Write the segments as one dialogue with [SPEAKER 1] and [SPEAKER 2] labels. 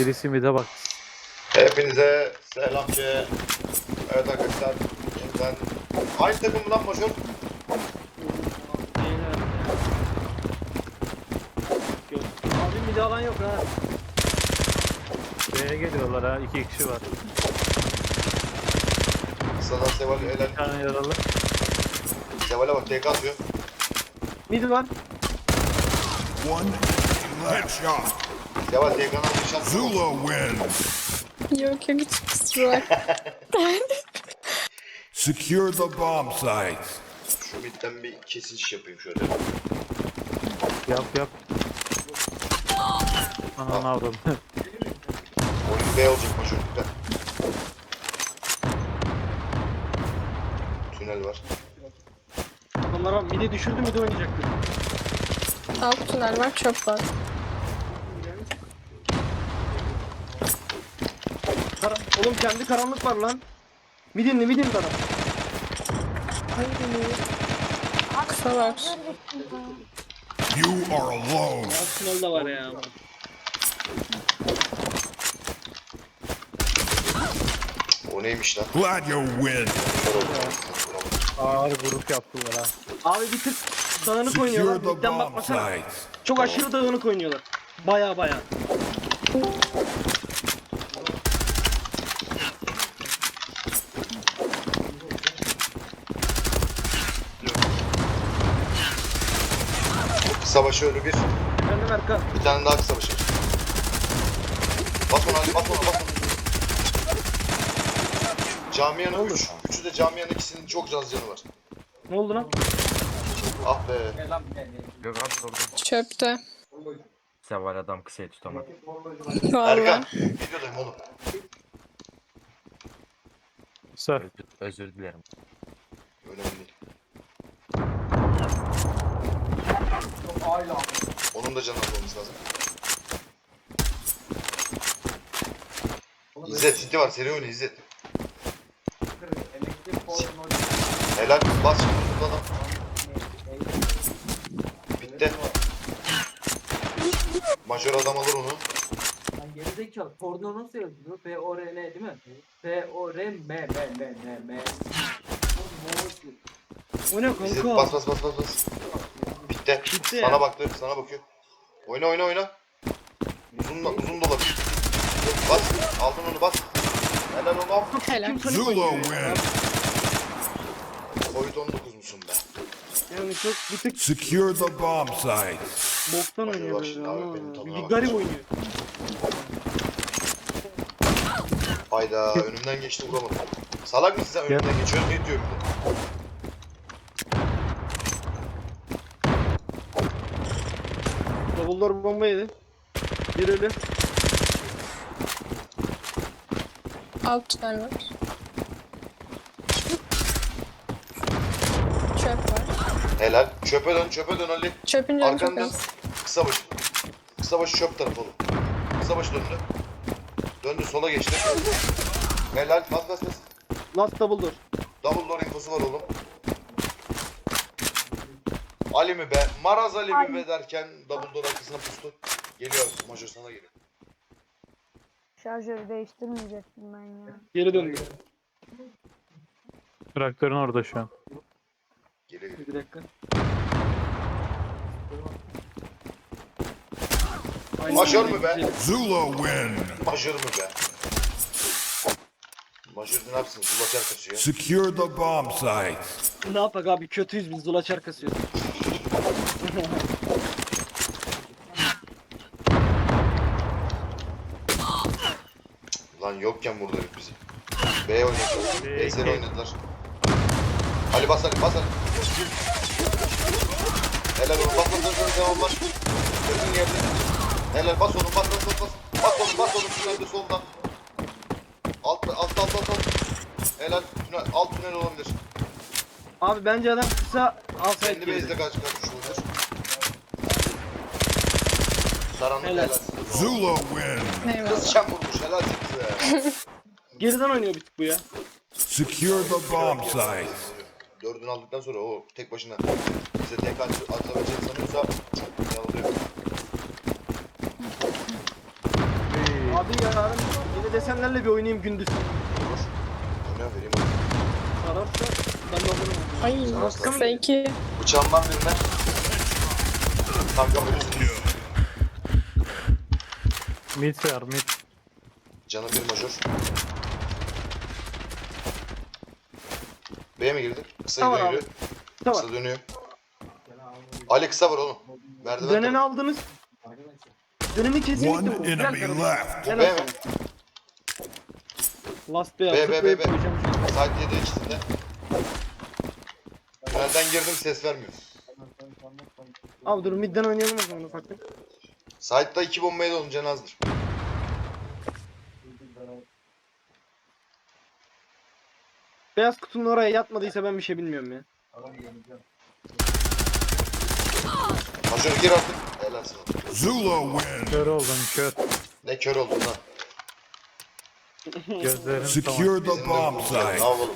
[SPEAKER 1] Birisi mid'e bak.
[SPEAKER 2] Hepinize selam ki. Evet arkadaşlar. Yeniden aynı takımdan Major.
[SPEAKER 3] Abi mide alan yok ha.
[SPEAKER 1] B'ye geliyorlar ha. 2 kişi var.
[SPEAKER 2] Sana Seval
[SPEAKER 1] Bir
[SPEAKER 2] helal.
[SPEAKER 1] tane yaralı.
[SPEAKER 2] Seval'e bak TK atıyor.
[SPEAKER 3] Mid var.
[SPEAKER 4] One headshot.
[SPEAKER 2] Seval TK'dan bir şans.
[SPEAKER 4] Zula wins.
[SPEAKER 5] Yok yok hiç kusura bakma.
[SPEAKER 4] Secure the bomb sites.
[SPEAKER 2] Şu midden bir kesiş yapayım şöyle.
[SPEAKER 1] Yap. Ananı avradım.
[SPEAKER 2] Oyun B olacak Major. Dikkat. Tünel var.
[SPEAKER 3] Adamlar mide düşürdü mide oynayacaktı.
[SPEAKER 5] Alt tünel var, çöp var.
[SPEAKER 3] Oğlum kendi karanlık var lan. Midin adam.
[SPEAKER 5] Kısa var.
[SPEAKER 4] You are alone.
[SPEAKER 3] Alt tünel de var ya.
[SPEAKER 2] O neymiş lan?
[SPEAKER 4] Glad you win.
[SPEAKER 1] Ağır grup yaptılar ha.
[SPEAKER 3] Abi bir tık dağınık
[SPEAKER 4] Secure
[SPEAKER 3] oynuyorlar.
[SPEAKER 4] the
[SPEAKER 3] Midden
[SPEAKER 4] bomb
[SPEAKER 3] bakmasana.
[SPEAKER 4] sites.
[SPEAKER 3] Çok aşırı dağınık oynuyorlar. Baya.
[SPEAKER 2] Kısa başı ölü bir.
[SPEAKER 3] Efendim Erkan.
[SPEAKER 2] Bir tane daha kısa başı. Bas ona, bas ona. Camiyanın 3. Üçü de camiyanın ikisinin çok az canı var.
[SPEAKER 3] Ne oldu lan?
[SPEAKER 2] Ah be.
[SPEAKER 6] Gökhan sordum.
[SPEAKER 5] Çöpte.
[SPEAKER 6] Seval adam kısayı tutamadı.
[SPEAKER 5] Vallahi.
[SPEAKER 2] Erkan. Videodayım oğlum.
[SPEAKER 1] Sör.
[SPEAKER 6] Özür dilerim.
[SPEAKER 2] Önemli değil. Onun da canı almamız lazım. İzzet, City var. Seri oyunu İzzet. Helal. Bas şimdi burada adam. Bitti. Majör adam alır onu.
[SPEAKER 7] Lan gerizekalı porno nasıl yazılıyor? P-O-R-N değil mi? P-O-R-M-M-M-M-M.
[SPEAKER 3] O ne
[SPEAKER 2] İzzet
[SPEAKER 3] kanka?
[SPEAKER 2] bas. Bitti.
[SPEAKER 3] Bitti
[SPEAKER 2] Sana
[SPEAKER 3] ya.
[SPEAKER 2] baktı. Sana bakıyor. Oyna. Uzun dolap. Bas. Aldın onu bas. Helal oğlum.
[SPEAKER 5] Helal.
[SPEAKER 4] Zula wins.
[SPEAKER 2] Covid-19 musun be?
[SPEAKER 3] Yani çok bir tık
[SPEAKER 4] Secure the bomb sites.
[SPEAKER 3] boktan
[SPEAKER 2] Bak,
[SPEAKER 3] oynuyor
[SPEAKER 2] bak,
[SPEAKER 3] böyle
[SPEAKER 2] abi,
[SPEAKER 3] ama.
[SPEAKER 2] benim tadına
[SPEAKER 3] Bir
[SPEAKER 2] bak.
[SPEAKER 3] garip oynuyor.
[SPEAKER 2] Hayda önümden geçti vuramadım. Salak mısın sen önümden geçiyorsun ne diyor bir de.
[SPEAKER 3] Davullar bomba yedi. Bir ölü.
[SPEAKER 5] Alt tünel var. Çöp var.
[SPEAKER 2] Helal. Çöpe dön Ali.
[SPEAKER 5] Çöpün canı çok
[SPEAKER 2] Arkandan
[SPEAKER 5] az.
[SPEAKER 2] kısa başı çöp tarafı oğlum. Kısa başı döndü. Döndü sola geçti. Helal bas.
[SPEAKER 3] Last double door.
[SPEAKER 2] Double door infosu var oğlum. Ali mi be? Maraz Ali mi be derken double door arkasına pustu. Geliyor Major sana geliyor.
[SPEAKER 8] Şarjörü değiştirmeyecektim ben ya.
[SPEAKER 3] Geri döndü.
[SPEAKER 1] Traktörün orada şu an.
[SPEAKER 2] Geliyor.
[SPEAKER 3] Bir dakika.
[SPEAKER 2] Majör mü be?
[SPEAKER 4] Zula win.
[SPEAKER 2] Major mu be? Major ne yapsın? Zulaçar kaçıyor.
[SPEAKER 4] Secure the bomb sites.
[SPEAKER 3] Ne yapak abi kötüyüz biz dolaçar kasıyoruz.
[SPEAKER 2] Lan yokken vurdu herif bizi. B oynadılar. B
[SPEAKER 1] B2.
[SPEAKER 2] seri oynadılar. Ali bas. Helal oğlum bas devam var. Gözün yerde. Helal bas oğlum bas. Bas oğlum tünelde soldan. Alt. Helal alt tünel olabilir.
[SPEAKER 3] Abi bence adam kısa alsaydı
[SPEAKER 2] Kendi base'de
[SPEAKER 3] geri.
[SPEAKER 2] kaç olabilir. Saranlık
[SPEAKER 3] Helal.
[SPEAKER 2] helal.
[SPEAKER 4] Zula win.
[SPEAKER 5] Eyvallah.
[SPEAKER 2] Kız şam vurmuş helal size.
[SPEAKER 3] Geriden oynuyor bir tık bu ya.
[SPEAKER 4] Secure the bomb sites.
[SPEAKER 2] Dördünü aldıktan sonra o tek başına bize tek atabileceğini sanıyorsa yanılıyor.
[SPEAKER 3] Abi hadi yarın yine desenlerle bir oynayayım gündüz.
[SPEAKER 2] Olur. Oyna vereyim.
[SPEAKER 3] Sararsa ben de olurum.
[SPEAKER 5] Ay
[SPEAKER 2] Sararsa mı?
[SPEAKER 5] belki
[SPEAKER 2] Bıçağımdan birine. Kanka ölürsün.
[SPEAKER 1] Mid var mid.
[SPEAKER 2] Canı bir majör. B'ye mi girdi? Kısa
[SPEAKER 3] Tamam
[SPEAKER 2] gidiyor
[SPEAKER 3] abi.
[SPEAKER 2] yürü.
[SPEAKER 3] Tamam.
[SPEAKER 2] Kısa dönüyor. Ali kısa var oğlum. Merdiven
[SPEAKER 3] Döneni
[SPEAKER 2] tarafı.
[SPEAKER 3] aldınız. Dönemi kesinlikle
[SPEAKER 4] One
[SPEAKER 3] vurun. Gel
[SPEAKER 4] enemy
[SPEAKER 3] kardeşim.
[SPEAKER 4] left.
[SPEAKER 3] Gel
[SPEAKER 2] B
[SPEAKER 3] abi.
[SPEAKER 2] mi?
[SPEAKER 3] Last B
[SPEAKER 2] B,
[SPEAKER 3] yaptık.
[SPEAKER 2] B,
[SPEAKER 3] B
[SPEAKER 2] B.
[SPEAKER 3] koyacağım.
[SPEAKER 2] Side 7 ikisinde. Tünelden girdim ses vermiyor.
[SPEAKER 3] Abi dur midden oynayalım o zaman ufaktan.
[SPEAKER 2] Side'da 2 bombaya da olunca azdır.
[SPEAKER 3] Beyaz kutunun oraya yatmadıysa ben bir şey bilmiyorum ya.
[SPEAKER 2] Majör gir artık. Helal sana.
[SPEAKER 4] Zula win.
[SPEAKER 1] Kör oldum kör.
[SPEAKER 2] Ne kör oldun lan.
[SPEAKER 1] Gözlerim tamam.
[SPEAKER 4] Secure the
[SPEAKER 2] Bizim de
[SPEAKER 4] bomb
[SPEAKER 2] vuracağız. Ne
[SPEAKER 4] site.
[SPEAKER 2] yapalım?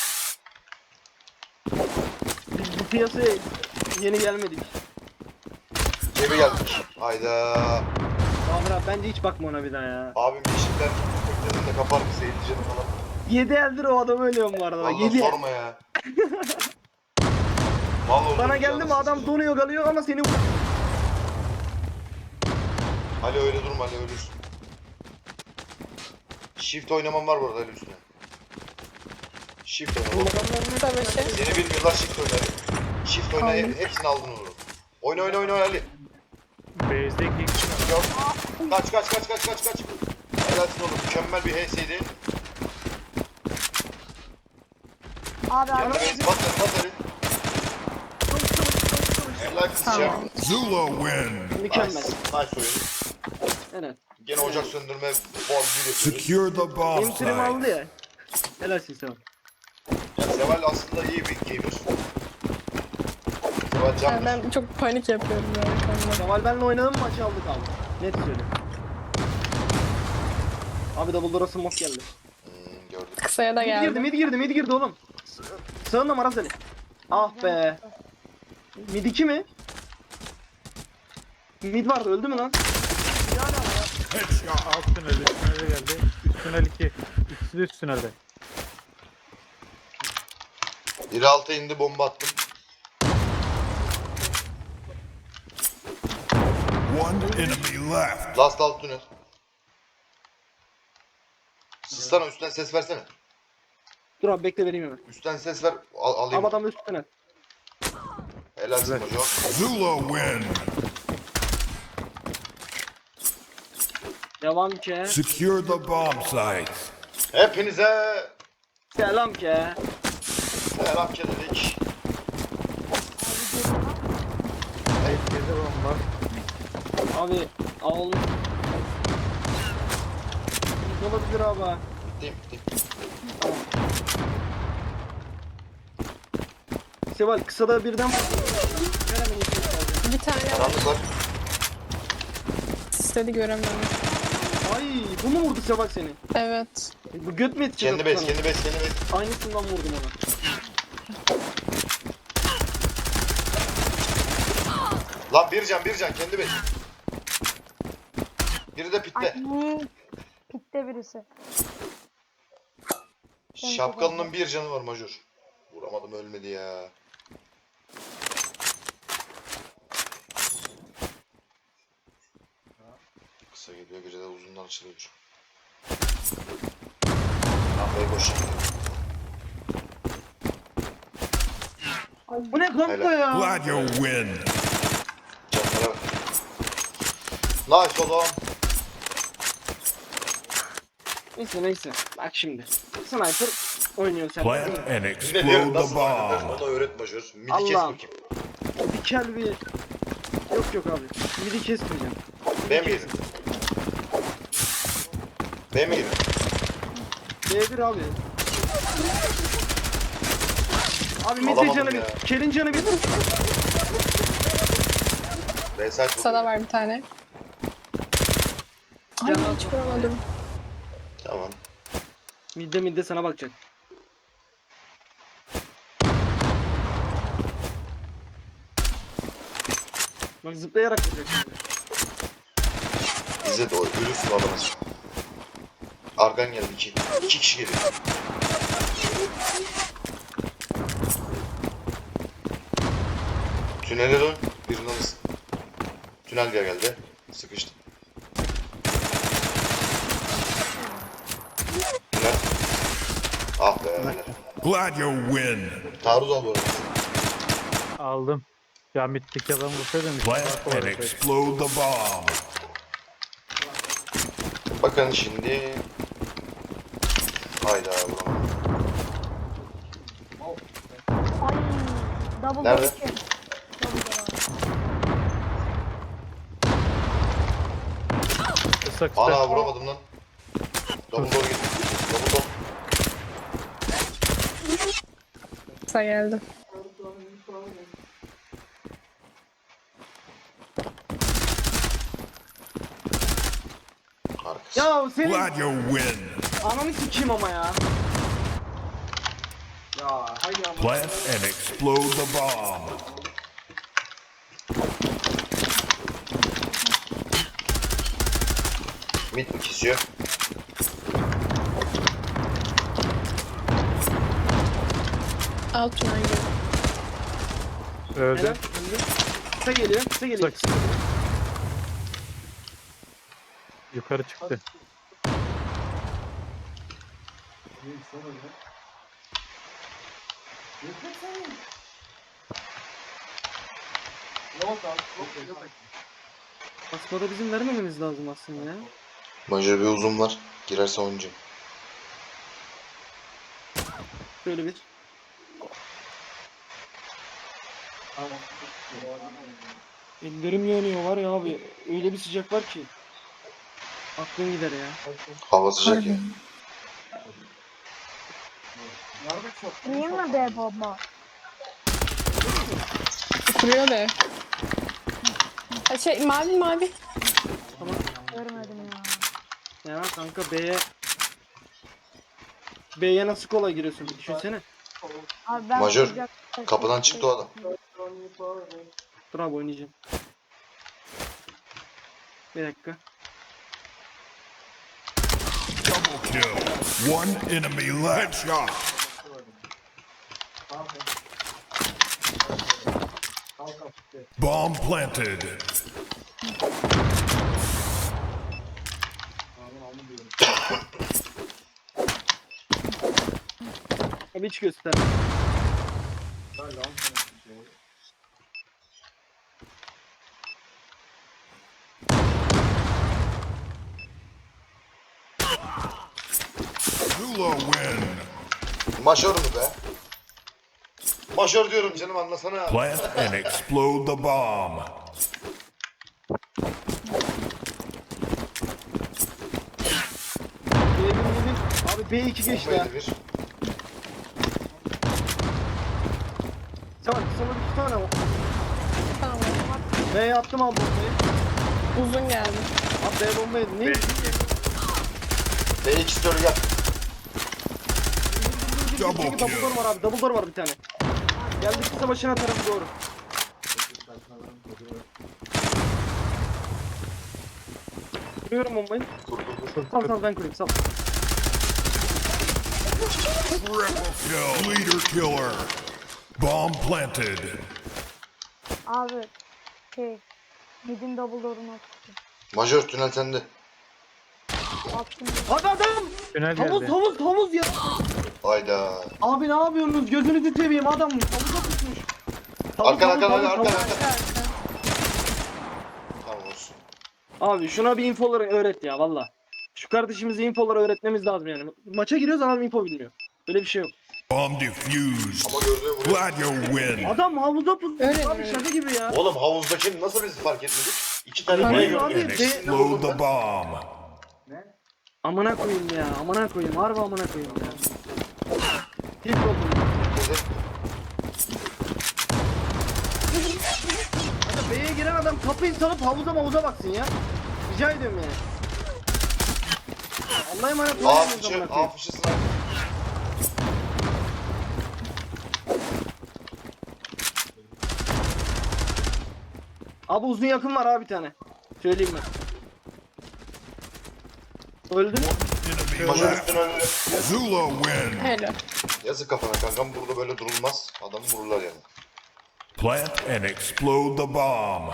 [SPEAKER 3] Biz bu piyasaya yeni gelmedik.
[SPEAKER 2] Cebi geldik. Hayda.
[SPEAKER 3] Abi abi bence hiç bakma ona bir daha ya.
[SPEAKER 2] Abim yeşiller dedim de kapar bir seyirci canı falan.
[SPEAKER 3] 7 eldir o adam ölüyor bu arada.
[SPEAKER 2] Vallahi
[SPEAKER 3] 7 el.
[SPEAKER 2] sorma ya. Vallahi
[SPEAKER 3] Bana
[SPEAKER 2] oğlum,
[SPEAKER 3] geldi mi
[SPEAKER 2] canı
[SPEAKER 3] adam
[SPEAKER 2] sıkıldı.
[SPEAKER 3] donuyor kalıyor ama seni
[SPEAKER 2] Ali öyle durma Ali ölürsün. Shift oynamam var bu arada Ali üstüne. Shift oyna.
[SPEAKER 5] tabii ki.
[SPEAKER 2] Seni bilmiyorlar shift oyna Ali. Shift oyna hepsini aldın olur. Oyna oyna oyna Ali.
[SPEAKER 1] Base'deki
[SPEAKER 2] Yok. Kaç kaç kaç kaç kaç kaç. Helalsin oğlum mükemmel bir HS'ydi.
[SPEAKER 8] Abi
[SPEAKER 2] Kendi
[SPEAKER 8] abi.
[SPEAKER 2] base bas Ali. Helal kızcağım.
[SPEAKER 5] Tamam.
[SPEAKER 4] Zula win.
[SPEAKER 3] mükemmel.
[SPEAKER 2] Nice oyun.
[SPEAKER 3] Evet.
[SPEAKER 2] Gene ocak söndürme bol bir yapıyoruz.
[SPEAKER 4] Secure the bomb
[SPEAKER 3] Benim trim aldı
[SPEAKER 4] site.
[SPEAKER 3] ya. Helalsin sen.
[SPEAKER 2] Ya Seval aslında iyi bir gamer. Seval can
[SPEAKER 5] Yani ben çok panik yapıyorum yani konuda.
[SPEAKER 3] Kemal benle oynadığım maçı aldık abi. Net söylüyorum. Abi double door'a smoke geldi.
[SPEAKER 2] Gördüm.
[SPEAKER 5] Kısaya da
[SPEAKER 3] Mid girdi,
[SPEAKER 5] geldi.
[SPEAKER 3] mid girdi, mid girdi oğlum. Sağında Maraz Ali. Ah be. Mid 2 mi? Mid vardı, öldü mü lan?
[SPEAKER 1] alt tüneli, üst tünele geldi. Üst tünel 2. İkisi de üst tünelde.
[SPEAKER 2] Biri alta indi bomba attım.
[SPEAKER 4] One enemy left.
[SPEAKER 2] Last alt tünel. Sızsana üstten ses versene.
[SPEAKER 3] Dur abi bekle vereyim hemen.
[SPEAKER 2] Üstten ses ver alayım.
[SPEAKER 3] Abi adam da üstüne.
[SPEAKER 2] Helalsin hocam.
[SPEAKER 4] Zula win.
[SPEAKER 3] Devam ki.
[SPEAKER 4] Secure the bomb site.
[SPEAKER 2] Hepinize
[SPEAKER 3] Selam ki.
[SPEAKER 2] selam dedik.
[SPEAKER 1] Base'de bomba.
[SPEAKER 3] Abi al. Mid olabilir abi.
[SPEAKER 2] Bitti bitti.
[SPEAKER 3] Seval kısada birden Ver hemen içeri alacağım.
[SPEAKER 5] Bir tane
[SPEAKER 2] Karanlık var.
[SPEAKER 5] istedi göremiyorum.
[SPEAKER 3] Ay bu mu vurdu Seval seni?
[SPEAKER 5] Evet.
[SPEAKER 3] Bu göt mü etti?
[SPEAKER 2] Kendi base kendi base kendi base.
[SPEAKER 3] Aynısından vurdum ona.
[SPEAKER 2] Lan bir can kendi base. Biri de pitte.
[SPEAKER 8] Ay, pitte birisi.
[SPEAKER 2] Şapkalının bir canı var majör. Vuramadım ölmedi ya. Kısa geliyor gece de uzundan açılıyor. Lambayı boş.
[SPEAKER 3] Bu ne kanka ya?
[SPEAKER 4] Glad you win.
[SPEAKER 2] Canlara bak. Nice oğlum.
[SPEAKER 3] Neyse. Bak şimdi. Sniper oynuyor sen.
[SPEAKER 4] Plant and
[SPEAKER 2] Ne
[SPEAKER 4] explode
[SPEAKER 2] diyorum
[SPEAKER 4] the
[SPEAKER 2] nasıl oynanır
[SPEAKER 4] bomb.
[SPEAKER 2] ona öğret majör. Midi kes
[SPEAKER 3] Allah'ım.
[SPEAKER 2] bakayım.
[SPEAKER 3] Dikel bir... Yok abi. Midi kesmeyeceğim.
[SPEAKER 2] B mi girdin? B mi girdin?
[SPEAKER 3] B1 abi. Abi midi
[SPEAKER 2] Alamadım
[SPEAKER 3] canı
[SPEAKER 2] ya.
[SPEAKER 3] bir. Kelin canı bir.
[SPEAKER 2] B site
[SPEAKER 5] Kısada var bir tane. Ay hiç vuramadım.
[SPEAKER 2] Tamam.
[SPEAKER 3] Midde sana bakacak. Bak zıplayarak vuracak şimdi.
[SPEAKER 2] Bize de o ölürsün adamı. Arkan geldi 2. 2 kişi geliyor. Tünele dön. Birini alırsın. Tünel geldi. Sıkıştı. Tünel. Ah be. helal.
[SPEAKER 4] Glad you win.
[SPEAKER 2] Taarruz al bu arada.
[SPEAKER 1] Aldım. Ya mitteki adam vursaydım.
[SPEAKER 4] Plant and explode the bomb.
[SPEAKER 2] Bakın şimdi. Hayda vuramadım.
[SPEAKER 8] Ay. Double
[SPEAKER 2] Nerede?
[SPEAKER 8] door 2. Double door abi.
[SPEAKER 1] Kısa kısa.
[SPEAKER 2] Ana vuramadım lan. Double door gitti. Double door.
[SPEAKER 5] Kısa geldi.
[SPEAKER 2] Arkası.
[SPEAKER 3] Ya senin
[SPEAKER 4] Glad you win.
[SPEAKER 3] ananı sikeyim ama ya. Ya haydi ama.
[SPEAKER 4] Plant and explode the bomb.
[SPEAKER 2] Mid mi kesiyor?
[SPEAKER 5] Alt tünel geliyor.
[SPEAKER 1] Öldü.
[SPEAKER 3] Helal, öldü. Kısa geliyor, kısa
[SPEAKER 1] Kısa
[SPEAKER 3] geliyor.
[SPEAKER 1] kısa. Yukarı çıktı.
[SPEAKER 3] Basmada bizim vermememiz lazım aslında ya.
[SPEAKER 2] Majör bir uzun var. Girerse oyuncu.
[SPEAKER 3] Şöyle bir. Ellerim yanıyor var ya abi. Öyle bir sıcak var ki. Aklın gider ya.
[SPEAKER 2] Hava sıcak ya.
[SPEAKER 8] Niye mi be bomba?
[SPEAKER 5] Kuruyor da. Ha şey mavi mavi.
[SPEAKER 8] Görmedim ya.
[SPEAKER 3] Ya kanka B'ye nasıl kolay giriyorsun bir düşünsene.
[SPEAKER 8] Abi ben
[SPEAKER 2] Majör,
[SPEAKER 8] sıcak-
[SPEAKER 2] kapıdan çıktı o adam.
[SPEAKER 3] Dur abi oynayacağım. Bir dakika.
[SPEAKER 4] Double kill. One enemy left. Shot. Bomb planted.
[SPEAKER 3] Abi hiç göster.
[SPEAKER 4] Zula win.
[SPEAKER 2] Majör mü be? Majör diyorum canım anlasana.
[SPEAKER 4] Plant and explode the bomb.
[SPEAKER 3] Abi B2 geçti ha.
[SPEAKER 2] Bombaydı bir.
[SPEAKER 3] Tamam sana bir tane o.
[SPEAKER 5] Tamam.
[SPEAKER 3] B'ye attım abi bombayı.
[SPEAKER 5] Uzun geldi.
[SPEAKER 3] Abi B bombayı ne?
[SPEAKER 2] B2 story gel.
[SPEAKER 4] Double
[SPEAKER 3] Double door
[SPEAKER 4] kill.
[SPEAKER 3] var abi. Double door var bir tane. Geldi kısa başına tarafı doğru. Kuruyorum bombayı.
[SPEAKER 2] Kur kur kur.
[SPEAKER 3] Sal sal ben kurayım sal.
[SPEAKER 4] Triple kill. Leader killer. Bomb planted.
[SPEAKER 8] Abi şey. Midin double door'unu attım.
[SPEAKER 2] Majör tünel sende.
[SPEAKER 8] Attım.
[SPEAKER 3] Hadi adam!
[SPEAKER 1] Tünel
[SPEAKER 3] Havuz
[SPEAKER 1] geldi.
[SPEAKER 3] havuz havuz ya.
[SPEAKER 2] Hayda.
[SPEAKER 3] Abi ne yapıyorsunuz? Gözünüzü seveyim adam havuza tutmuş.
[SPEAKER 2] Arkan arkan
[SPEAKER 3] havuz,
[SPEAKER 2] arkan
[SPEAKER 3] havuz.
[SPEAKER 2] arkan. Tamam olsun.
[SPEAKER 3] Abi şuna bir infoları öğret ya valla. Şu kardeşimize infoları öğretmemiz lazım yani. Maça giriyoruz adam info bilmiyor. Böyle bir şey yok.
[SPEAKER 4] Bomb defused.
[SPEAKER 2] Ama gördüğü vuruyor.
[SPEAKER 4] Glad you win.
[SPEAKER 3] Adam havuza pusmuş
[SPEAKER 5] Öyle
[SPEAKER 3] abi
[SPEAKER 5] mi?
[SPEAKER 3] şaka gibi ya.
[SPEAKER 2] Oğlum havuzdaki nasıl biz fark etmedik? İki tane
[SPEAKER 3] Hayır
[SPEAKER 2] B
[SPEAKER 3] abi,
[SPEAKER 2] gördük.
[SPEAKER 4] And
[SPEAKER 3] B-
[SPEAKER 4] explode the bomb.
[SPEAKER 3] Amına koyayım ya. Amına koyayım. Harbi amına koyayım ya. Hiç oldum. Hadi B'ye giren adam kapıyı salıp havuza baksın ya. Rica ediyorum yani. Allah'a emanet olun.
[SPEAKER 2] A
[SPEAKER 3] amına
[SPEAKER 2] fışı,
[SPEAKER 3] koyayım.
[SPEAKER 2] A fışı sniper.
[SPEAKER 3] Abi uzun yakın var abi bir tane. Söyleyeyim ben. Öldü mü?
[SPEAKER 4] enemy
[SPEAKER 2] Majör
[SPEAKER 4] left.
[SPEAKER 2] üstüne öldü.
[SPEAKER 4] Zula win.
[SPEAKER 5] Helal.
[SPEAKER 2] Yazık kafana kankam, burada böyle durulmaz. Adamı vururlar yani.
[SPEAKER 4] Plant and explode the bomb.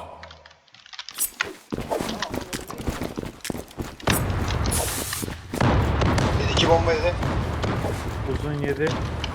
[SPEAKER 2] Bir iki bomba yedi.
[SPEAKER 1] Uzun yedi.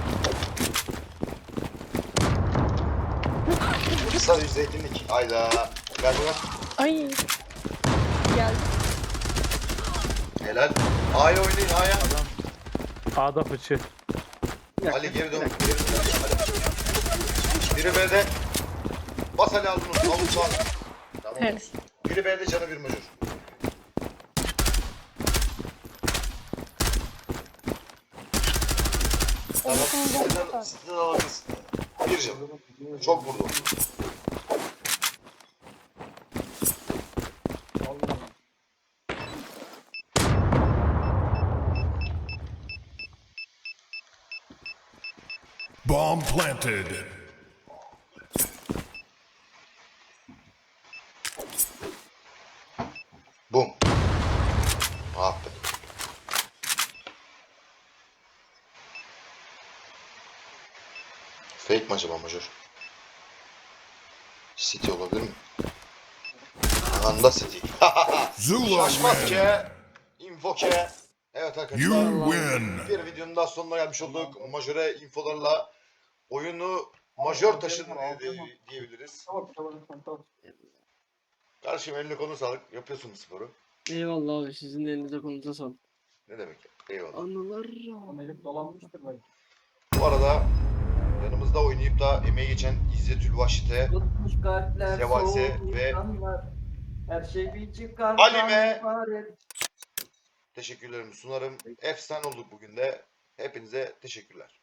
[SPEAKER 2] Kısa yüz zeytinlik. Hayda. Ver buna.
[SPEAKER 5] Ay. Geldi.
[SPEAKER 2] Helal. A'ya oynayın A'ya.
[SPEAKER 1] A'da fıçı.
[SPEAKER 2] Ali geri dön. Geri dön. Hadi. Biri B'de. Bas Ali aldın onu. Avut sağ. Tamam.
[SPEAKER 5] Helal.
[SPEAKER 2] Biri B'de canı bir majör. Tamam. Sizden alırız. Bir can. Çok vurdu.
[SPEAKER 4] Bomb planted.
[SPEAKER 2] Bum. Ah be. Fake mi acaba majör? City olabilir mi? Anda City.
[SPEAKER 4] Zula
[SPEAKER 2] Şaşmaz
[SPEAKER 4] win.
[SPEAKER 2] ke. Info ke. Evet arkadaşlar.
[SPEAKER 4] You win.
[SPEAKER 2] Bir videonun daha sonuna gelmiş olduk. Majöre infolarla oyunu majör taşın diyebiliriz.
[SPEAKER 7] Tamam.
[SPEAKER 2] Kardeşim eline konu sağlık. Yapıyorsun bu sporu.
[SPEAKER 3] Eyvallah abi, sizin de elinize konunuza sağlık.
[SPEAKER 2] Ne demek ya? Eyvallah.
[SPEAKER 3] Anılar.
[SPEAKER 7] Elim dolanmıştır belki.
[SPEAKER 2] Bu arada yanımızda oynayıp da emeği geçen İzzetül Vahşit'e,
[SPEAKER 7] Tutmuş kalpler,
[SPEAKER 2] Sevase
[SPEAKER 7] soğuk
[SPEAKER 2] ve
[SPEAKER 7] insanlar. Her şey bir çıkar.
[SPEAKER 2] Halime. teşekkürlerimi sunarım. Efsane olduk bugün de. Hepinize teşekkürler.